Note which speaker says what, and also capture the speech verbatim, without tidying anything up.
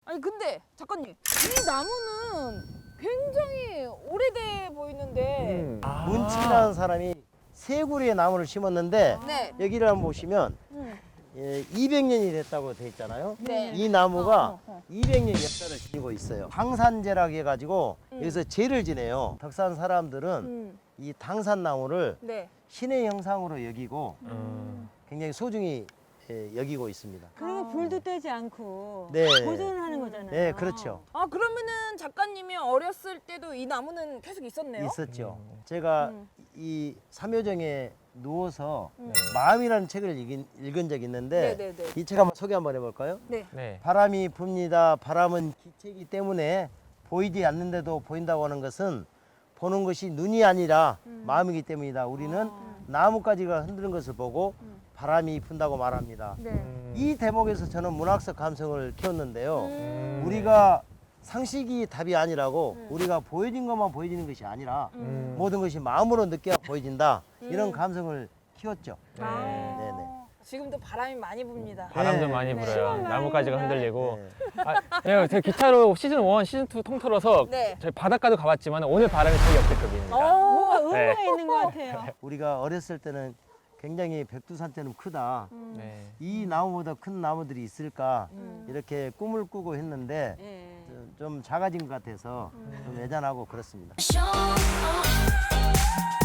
Speaker 1: 아니 근데 작가님, 이 나무는 굉장히 오래돼 보이는데.
Speaker 2: 음.
Speaker 3: 아.
Speaker 2: 문치라는 사람이 세 그루의 나무를 심었는데
Speaker 1: 네.
Speaker 2: 여기를 한번 보시면
Speaker 1: 음.
Speaker 2: 예, 이백 년이 됐다고 돼 있잖아요.
Speaker 1: 네.
Speaker 2: 이 나무가
Speaker 1: 어, 어, 어.
Speaker 2: 이백 년 역사를 지니고 있어요. 당산제라고 해가지고
Speaker 1: 음.
Speaker 2: 여기서 제를 지내요. 덕산 사람들은
Speaker 1: 음.
Speaker 2: 이 당산나무를
Speaker 1: 네.
Speaker 2: 신의 형상으로 여기고
Speaker 3: 음.
Speaker 2: 굉장히 소중히 예, 여기고 있습니다.
Speaker 4: 그리고 불도 떼지 않고
Speaker 2: 네.
Speaker 4: 보존하는 거잖아요.
Speaker 2: 네, 그렇죠.
Speaker 1: 아 그러면은 작가님이 어렸을 때도 이 나무는 계속 있었네요.
Speaker 2: 있었죠.
Speaker 3: 음.
Speaker 2: 제가
Speaker 1: 음.
Speaker 2: 이 삼효정에 누워서
Speaker 1: 음.
Speaker 2: 마음이라는 책을 읽은, 읽은 적이 있는데
Speaker 1: 네네네.
Speaker 2: 이 책 한번 소개 한번 해볼까요?
Speaker 1: 네.
Speaker 3: 네.
Speaker 2: 바람이 붑니다. 바람은 기체이기 때문에 보이지 않는데도 보인다고 하는 것은 보는 것이 눈이 아니라
Speaker 1: 음.
Speaker 2: 마음이기 때문이다. 우리는
Speaker 4: 아.
Speaker 2: 나뭇가지가 흔드는 것을 보고
Speaker 1: 음.
Speaker 2: 바람이 분다고 말합니다.
Speaker 1: 네.
Speaker 3: 음.
Speaker 2: 이 대목에서 저는 문학적 감성을 키웠는데요.
Speaker 1: 음.
Speaker 2: 우리가 상식이 답이 아니라고
Speaker 1: 음.
Speaker 2: 우리가 보여진 것만 보여지는 것이 아니라
Speaker 3: 음.
Speaker 2: 모든 것이 마음으로 느껴야 보여진다. 이런
Speaker 1: 음.
Speaker 2: 감성을 키웠죠.
Speaker 3: 네.
Speaker 1: 아.
Speaker 2: 네네.
Speaker 1: 지금도 바람이 많이 붑니다.
Speaker 3: 바람도
Speaker 2: 네.
Speaker 3: 많이
Speaker 1: 네.
Speaker 3: 불어요. 나뭇가지가 흔들리고.
Speaker 2: 네.
Speaker 3: 아, 예, 제가 기차로 시즌 일, 시즌 이 통틀어서
Speaker 1: 네.
Speaker 3: 저희 바닷가도 가봤지만 오늘 바람이 제일 역대급입니다.
Speaker 4: 뭐가
Speaker 1: 어.
Speaker 4: 의미가
Speaker 3: 네.
Speaker 4: 있는 것 같아요.
Speaker 2: 우리가 어렸을 때는 굉장히 백두산처럼 크다.
Speaker 1: 음.
Speaker 3: 네.
Speaker 2: 이 나무보다 큰 나무들이 있을까
Speaker 1: 음.
Speaker 2: 이렇게 꿈을 꾸고 했는데
Speaker 4: 예.
Speaker 2: 좀- 좀 작아진 것 같아서 좀 애잔하고 그렇습니다.
Speaker 5: Show.